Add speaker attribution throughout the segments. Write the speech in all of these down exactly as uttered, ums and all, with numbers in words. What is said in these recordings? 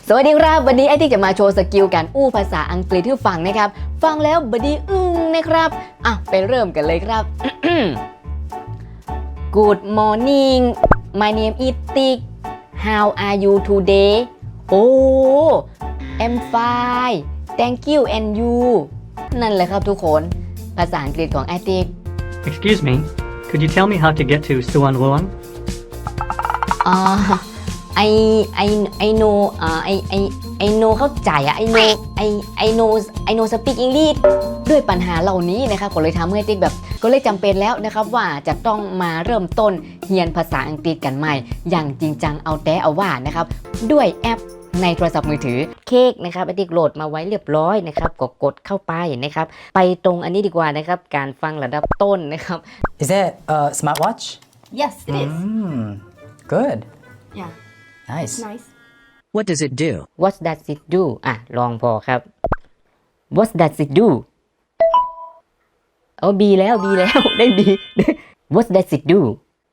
Speaker 1: สวัสดีครับวันนี้ไอที่จะมาโชว์สกิลการอู้ภาษาอังกฤษให้ฟังนะครับฟังแล้วบดีอึ้งนะครับอ่ะไปเริ่มกันเลยครับ Good morning my name is Tik how are you today Oh I'm fine thank you and you นั่นแหละครับทุกคนภาษาอังกฤษของไอติก
Speaker 2: Excuse me, could you tell me how to get to Suan Luang?
Speaker 1: อ่า I I I know อ่า I I I know เข้าใจอะ I know I I know I know speak English ด้วยปัญหาเหล่านี้นะครับก็เลยทำให้ติ๊กแบบก็เลยจำเป็นแล้วนะครับว่าจะต้องมาเริ่มต้นเรียนภาษาอังกฤษกันใหม่อย่างจริงจังเอาแต่เอาว่านะครับด้วยแอปในโทรศัพท์มือถือเค้กนะครับไอติ๊กโหลดมาไว้เรียบร้อยนะครับก็กดเข้าไปนะครับไปตรงอันนี้ดีกว่านะครับการฟังระดับต้นนะครับ
Speaker 3: Is it a smartwatch?
Speaker 1: Yes it is
Speaker 3: Mm, good.
Speaker 1: Yeah
Speaker 3: Nice.
Speaker 1: nice
Speaker 4: What does it do?
Speaker 1: What does it do อ่ะลองพอครับ What does it do เอา B แล้ว B แล้วได้ B What does it do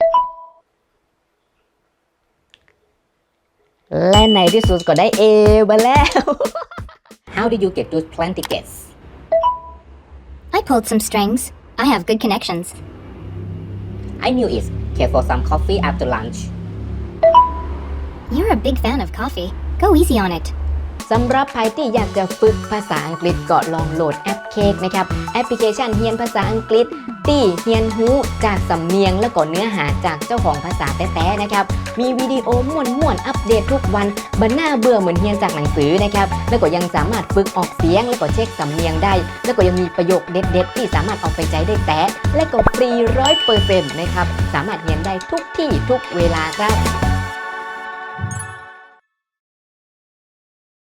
Speaker 1: และในที่สุดก็ได้ A มาแล้ว How did you get those plane tickets
Speaker 5: I pulled some strings. I have good connections.
Speaker 1: I knew it care for some coffee after lunch
Speaker 5: You're a big fan of coffee. Go easy on it.
Speaker 1: สำหรับใครที่อยากจะฝึกภาษาอังกฤษก็ลองโหลดแอปเค้กนะครับแอปพลิเคชันเรียนภาษาอังกฤษที่เรียนรู้จากสำเนียงและก็เนื้อหาจากเจ้าของภาษาแท้ๆนะครับมีวิดีโอม่วนๆอัปเดตทุกวันบันหน้าเบื่อเหมือนเรียนจากหนังสือนะครับแล้วก็ยังสามารถฝึกออกเสียงแล้วก็เช็คสำเนียงได้แล้วก็ยังมีประโยคเด็ดๆที่สามารถเอาไปใช้ได้แต่และก็ฟรี ร้อยเปอร์เซ็นต์ นะครับสามารถเรียนได้ทุกที่ทุกเวลาครับ